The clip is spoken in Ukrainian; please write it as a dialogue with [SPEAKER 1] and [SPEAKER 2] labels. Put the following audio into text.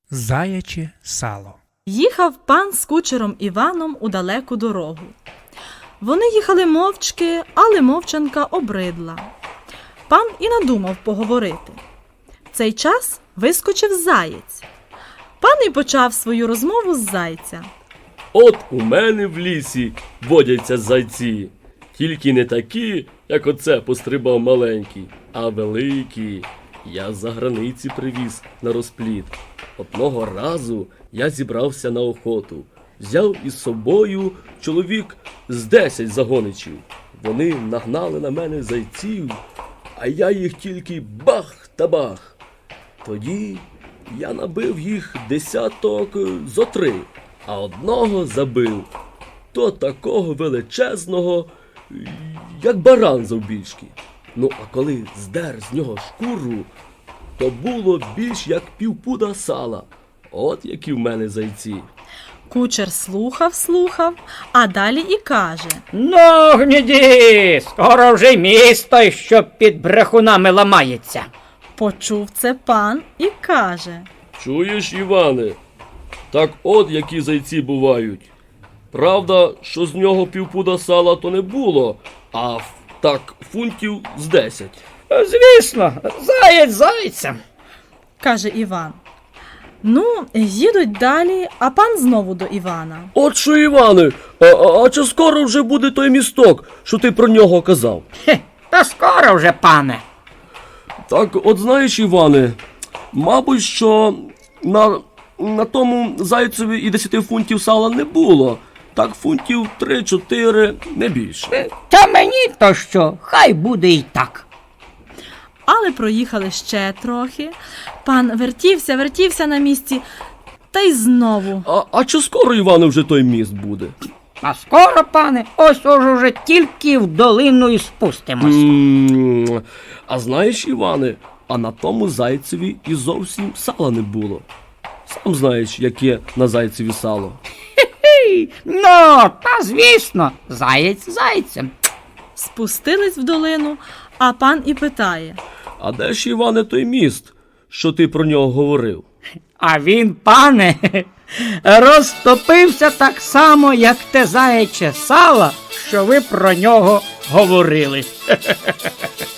[SPEAKER 1] Заяче сало.
[SPEAKER 2] Їхав пан з кучером Іваном у далеку дорогу. Вони їхали мовчки, але мовчанка обридла. Пан і надумав поговорити. В цей час вискочив заєць. Пан і почав свою розмову з зайця.
[SPEAKER 3] От у мене в лісі водяться зайці. Тільки не такі, як оце пострибав маленький, а великі. Я з-за границі привіз на розплід. Одного разу я зібрався на охоту. Взяв із собою чоловік з 10 загоничів. Вони нагнали на мене зайців, а я їх тільки бах та бах. Тоді я набив їх десяток зо 3, а одного забив. То такого величезного, як баран завбільшки. Ну, а коли здер з нього шкуру, то було більш як півпуда сала. От які в мене зайці.
[SPEAKER 2] Кучер слухав, а далі і каже.
[SPEAKER 4] Ну, гніді, скоро вже й місто, що під брехунами ламається.
[SPEAKER 2] Почув це пан і каже.
[SPEAKER 3] Чуєш, Іване? Так от які зайці бувають. Правда, що з нього півпуда сала то не було, а так фунтів з 10.
[SPEAKER 4] Звісно, заєць зайцем.
[SPEAKER 2] Каже Іван. Ну, їдуть далі, а пан знову до Івана.
[SPEAKER 3] От що, Іване, а чи скоро вже буде той місток, що ти про нього казав?
[SPEAKER 4] Та скоро вже, пане.
[SPEAKER 3] Так, от знаєш, Іване, мабуть, що на тому зайцеві і 10 фунтів сала не було. Так фунтів 3-4, не більше.
[SPEAKER 4] Та мені то що, хай буде і так.
[SPEAKER 2] Але проїхали ще трохи. Пан вертівся на місці, та й знову.
[SPEAKER 3] А чи скоро, Іване, вже той міст буде?
[SPEAKER 4] А скоро, пане, ось уже тільки в долину і спустимось.
[SPEAKER 3] А знаєш, Іване, а на тому зайцеві і зовсім сала не було. Сам знаєш, яке на зайцеві сало.
[SPEAKER 4] Ну, та звісно, заєць зайцем.
[SPEAKER 2] Спустились в долину, а пан і питає.
[SPEAKER 3] А де ж, Іване, той міст, що ти про нього говорив?
[SPEAKER 4] А він, пане, розтопився так само, як те заяче сало, що ви про нього говорили.